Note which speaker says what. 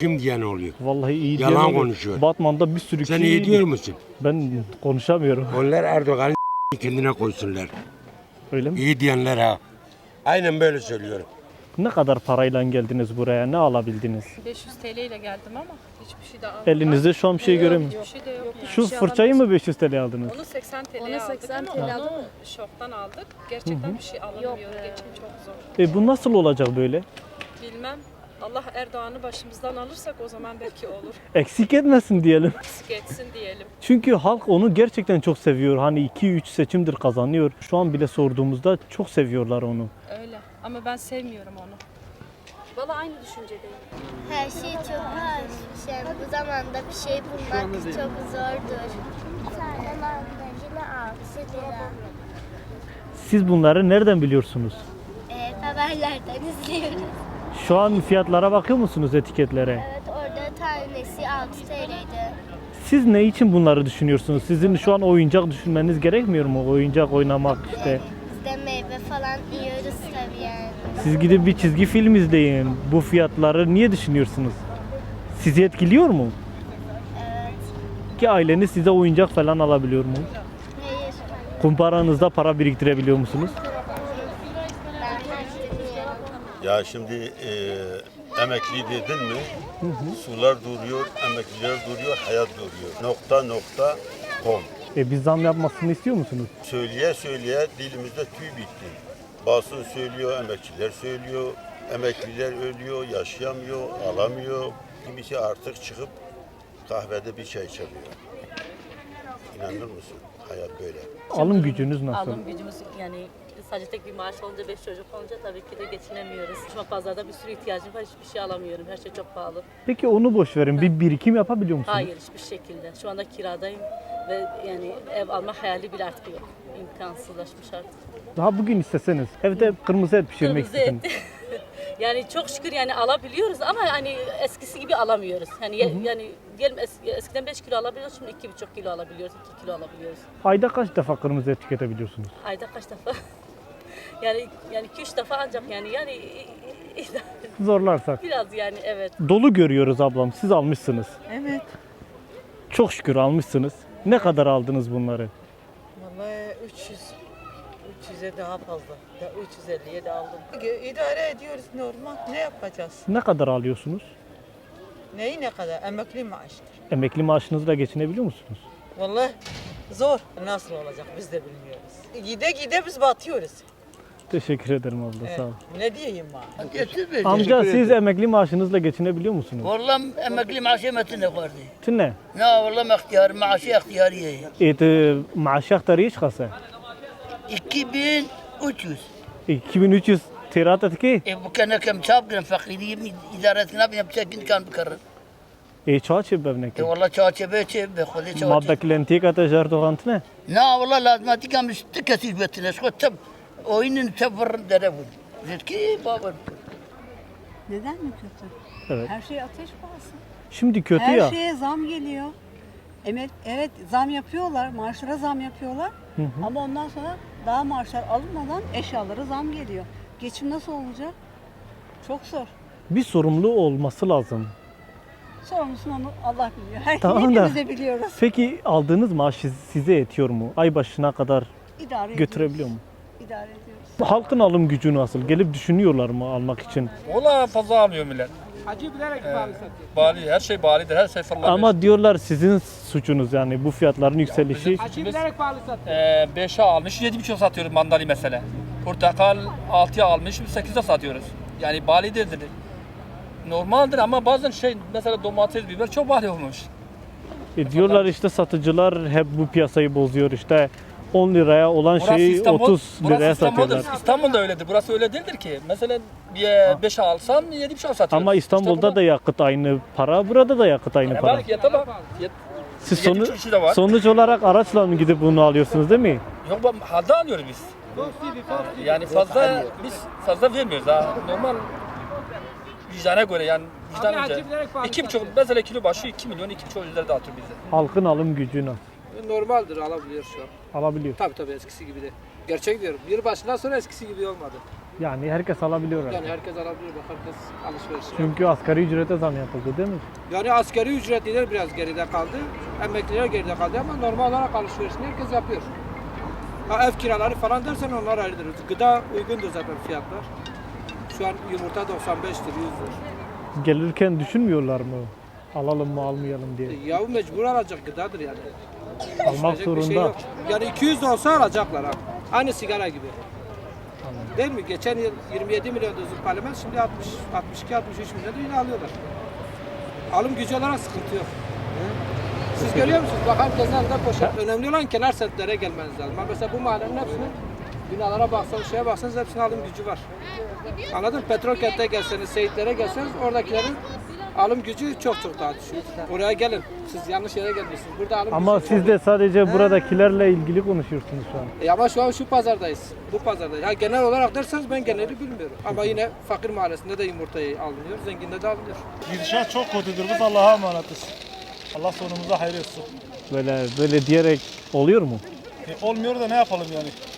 Speaker 1: Kim diyen oluyor?
Speaker 2: Vallahi iyi
Speaker 1: Yalan
Speaker 2: diyen oluyor.
Speaker 1: konuşuyor.
Speaker 2: Batman'da bir sürü
Speaker 1: Sen
Speaker 2: kişi
Speaker 1: iyi diyor musun?
Speaker 2: Ben konuşamıyorum.
Speaker 1: Onlar Erdoğan'ı kendine koysunlar.
Speaker 2: Öyle mi?
Speaker 1: İyi diyenler ha. Aynen böyle söylüyorum.
Speaker 2: Ne kadar parayla geldiniz buraya? Ne alabildiniz?
Speaker 3: 500 TL ile geldim ama hiçbir şey de almadım.
Speaker 2: Elinizde şu an bir şey göremiyorum.
Speaker 3: Hiçbir şey de yok. Yani.
Speaker 2: Şu fırçayı mı 500 TL aldınız?
Speaker 3: Onu 80 TL'ye
Speaker 4: Onu
Speaker 3: aldık
Speaker 4: 80
Speaker 3: ama
Speaker 4: TL
Speaker 3: onu şoktan aldık. Gerçekten bir şey alamıyor. Geçim çok zor.
Speaker 2: Bu nasıl olacak böyle?
Speaker 3: Bilmem. Allah Erdoğan'ı başımızdan alırsak o zaman belki olur.
Speaker 2: Eksik etmesin diyelim.
Speaker 3: Eksik etsin diyelim.
Speaker 2: Çünkü halk onu gerçekten çok seviyor. Hani 2-3 seçimdir kazanıyor. Şu an bile sorduğumuzda çok seviyorlar onu.
Speaker 3: Öyle. Ama ben sevmiyorum onu.
Speaker 4: Valla aynı düşüncedeyim.
Speaker 5: Her şey çok pahalı. Yani bu zamanda bir şey bulmak çok zordur. Bir tane mandalina 6 lira.
Speaker 2: Siz bunları nereden biliyorsunuz?
Speaker 5: Haberlerden izliyoruz.
Speaker 2: Şu an fiyatlara bakıyor musunuz, etiketlere?
Speaker 5: Evet, orada tanesi 6 TL'ydi.
Speaker 2: Siz ne için bunları düşünüyorsunuz? Sizin şu an oyuncak düşünmeniz gerekmiyor mu? Oyuncak oynamak işte.
Speaker 5: Biz de meyve falan yiyoruz tabii yani.
Speaker 2: Siz gidip bir çizgi film izleyin. Bu fiyatları niye düşünüyorsunuz? Sizi etkiliyor mu?
Speaker 5: Evet.
Speaker 2: Ki aileniz size oyuncak falan alabiliyor mu?
Speaker 5: Hayır.
Speaker 2: Kumparanızda para biriktirebiliyor musunuz?
Speaker 5: Ben dinliyorum.
Speaker 6: Ya şimdi emekli dedin mi? Sular duruyor, emekliler duruyor, hayat duruyor. .com.
Speaker 2: Biz zam yapmasını istiyor musunuz?
Speaker 6: Söyleye söyleye dilimizde tüy bitti. Basın söylüyor, emekçiler söylüyor. Emekliler ölüyor, yaşayamıyor, alamıyor. Kimisi artık çıkıp kahvede bir çay içemiyor. İnanır mısın? Hayat böyle.
Speaker 2: Alım gücünüz nasıl?
Speaker 7: Alım gücümüz yani sadece tek bir maaş olunca 5 çocuk olunca tabii ki de geçinemiyoruz. Şu an pazarda bir sürü ihtiyacım var, hiçbir şey alamıyorum. Her şey çok pahalı.
Speaker 2: Peki onu boş verin. Bir birikim yapabiliyor musunuz?
Speaker 7: Hayır, hiçbir şekilde. Şu anda kiradayım ve yani ev alma hayali bile artık yok. İmkansızlaşmış artık.
Speaker 2: Daha bugün isteseniz evde kırmızı et pişirmek
Speaker 7: Kırmızı
Speaker 2: isteseniz.
Speaker 7: et. Yani çok şükür yani alabiliyoruz ama hani eskisi gibi alamıyoruz. Yani diyelim eskiden 5 kilo alabiliyoruz, şimdi 2,5 kilo alabiliyoruz, 2 kilo alabiliyoruz.
Speaker 2: Ayda kaç defa kırmızı et tüketebiliyorsunuz?
Speaker 7: Ayda kaç defa? yani 2-3 defa ancak yani
Speaker 2: Zorlarsak.
Speaker 7: biraz yani evet.
Speaker 2: Dolu görüyoruz ablam. Siz almışsınız.
Speaker 8: Evet.
Speaker 2: Çok şükür almışsınız. Ne kadar aldınız bunları?
Speaker 8: Vallahi 300'e daha fazla. Ya 350'ye de aldım. İdare ediyoruz normal. Ne yapacağız?
Speaker 2: Ne kadar alıyorsunuz?
Speaker 8: Neyi ne kadar? Emekli maaştır.
Speaker 2: Emekli maaşınızla geçinebiliyor musunuz?
Speaker 8: Vallahi zor. Nasıl olacak biz de bilmiyoruz. Gide gide biz batıyoruz.
Speaker 2: Teşekkür ederim abla,
Speaker 8: Evet.
Speaker 2: sağ ol.
Speaker 8: Ne diyeyim ben?
Speaker 2: Amca siz emekli maaşınızla geçinebiliyor musunuz?
Speaker 9: والله emekli maaşı metine vardı.
Speaker 2: Ne?
Speaker 9: Ne والله ihtiyar maaşı ihtiyariye.
Speaker 2: Maaşı aktarı hiç kasa.
Speaker 9: 2300.
Speaker 2: 2300 tirat etki.
Speaker 9: Bu kana kem çap giren fakiri idaretine bir yapacak kan bıkarır.
Speaker 2: Çağ bevnek.
Speaker 9: والله çağçebe çebe khodi çağçebe.
Speaker 2: Maddak lentika tajar doğant ne?
Speaker 9: Ne والله lazım kam üstü kesir betine. Şu tab oyunun tabır dere bu. Zeki baba.
Speaker 10: Neden mi kötü?
Speaker 2: Evet.
Speaker 10: Her şey ateş pahası.
Speaker 2: Şimdi kötü
Speaker 10: Her
Speaker 2: ya.
Speaker 10: şeye zam geliyor. Evet zam yapıyorlar, maaşlara zam yapıyorlar. Ama ondan sonra daha maaşlar alınmadan eşyalara zam geliyor. Geçim nasıl olacak? Çok zor.
Speaker 2: Bir sorumlu olması lazım.
Speaker 10: Sorumlusunu onu Allah biliyor.
Speaker 2: Tamam da.
Speaker 10: Hepimiz de biliyoruz.
Speaker 2: Peki aldığınız maaş size yetiyor mu? Ay başına kadar
Speaker 10: İdare
Speaker 2: götürebiliyor mu?
Speaker 10: ediyoruz. İdare ediyoruz.
Speaker 2: Halkın alım gücü nasıl? Gelip düşünüyorlar mı almak için?
Speaker 11: Ola fazla alıyor millet.
Speaker 8: Acı bilerek bağlı
Speaker 11: Bali, her şey balidir, her şey fırlar.
Speaker 2: Ama diyorlar sizin suçunuz yani bu fiyatların yükselişi.
Speaker 8: Acı bilerek bağlı satıyor.
Speaker 11: 5'e almış, 7,5 satıyoruz mandalina mesela. Portakal 6'ya almış, 8'e satıyoruz. Yani bali değildir. Normaldir ama bazen mesela domates, biber çok bali olmuş.
Speaker 2: Diyorlar işte satıcılar hep bu piyasayı bozuyor işte 10 liraya olan
Speaker 11: Burası
Speaker 2: şeyi
Speaker 11: İstanbul,
Speaker 2: 30
Speaker 11: burası
Speaker 2: liraya
Speaker 11: İstanbul'dur.
Speaker 2: satıyorlar.
Speaker 11: İstanbul'da öyledir. Burası öyle değildir ki. Mesela 5'e alsan 7,5 satıyoruz.
Speaker 2: Ama İstanbul'da da yakıt aynı para, burada da yakıt aynı para.
Speaker 11: Bak yata bak.
Speaker 2: Siz
Speaker 11: 7,5 kişi de var.
Speaker 2: sonuç olarak araçla mı gidip bunu alıyorsunuz değil mi?
Speaker 11: Yok halde alıyoruz biz. Yani biz fazla vermiyoruz ha. Normal vicdana göre yani vicdanınca. 2,5 mesela kilo başı 2 milyon 2,5 lira dağıtıyor bize.
Speaker 2: Halkın alım gücü nasıl?
Speaker 8: Normaldir alabiliyor şu an.
Speaker 2: Alabiliyor.
Speaker 8: Tabii eskisi gibi de. Gerçek diyorum. Yılbaşından sonra eskisi gibi olmadı.
Speaker 2: Yani herkes alabiliyor artık.
Speaker 12: Yani herkes alabiliyor, bak herkes alışveriş.
Speaker 2: Çünkü asgari ücrete zam yapıldı değil mi?
Speaker 12: Yani asgari ücretliler biraz geride kaldı, emekliler geride kaldı ama normal olarak alışverişini herkes yapıyor. Ha, ev kiraları falan dersen onlar ayrıdır. Gıda uygundur zaten fiyatlar. Şu an yumurta 95 lira, 100 lira.
Speaker 2: Gelirken düşünmüyorlar mı? Alalım mı almayalım diye.
Speaker 12: Yahu mecbur alacak gıdadır yani.
Speaker 2: Almak
Speaker 12: Düşünecek bir şey
Speaker 2: zorunda.
Speaker 12: yok. Yani 200 de olsa alacaklar abi. Aynı sigara gibi. Değil mi? Geçen yıl 27 milyon dozluk parlament, şimdi 60, 62, 63 milyon da yine alıyorlar. Alım gücü olarak sıkıntı yok. Siz görüyor musunuz? Bak herkesin elinde poşet. Önemli olan kenar semtlere gelmeniz lazım. Ama mesela bu mahallenin hepsinin binalara baksanız, şeye baksanız hepsinin alım gücü var. Anladın mı? Petrokent'e gelseniz, Seyitlere gelseniz oradakilerin alım gücü çok daha düşük. Oraya gelin. Siz yanlış yere gelmişsiniz. Burada alım
Speaker 2: Ama
Speaker 12: gücü
Speaker 2: siz de sadece buradakilerle ilgili konuşuyorsunuz şu an.
Speaker 12: ama şu an şu pazardayız. Bu pazardayız. Ha, genel olarak derseniz ben geneli bilmiyorum. Ama yine fakir mahallesinde de yumurtayı alınıyor, zenginde de alınıyor.
Speaker 13: Gidişat çok kötüdür. Biz Allah'a emanetiz. Allah sonumuza hayır etsin.
Speaker 2: Böyle diyerek oluyor mu?
Speaker 13: Olmuyor da ne yapalım yani?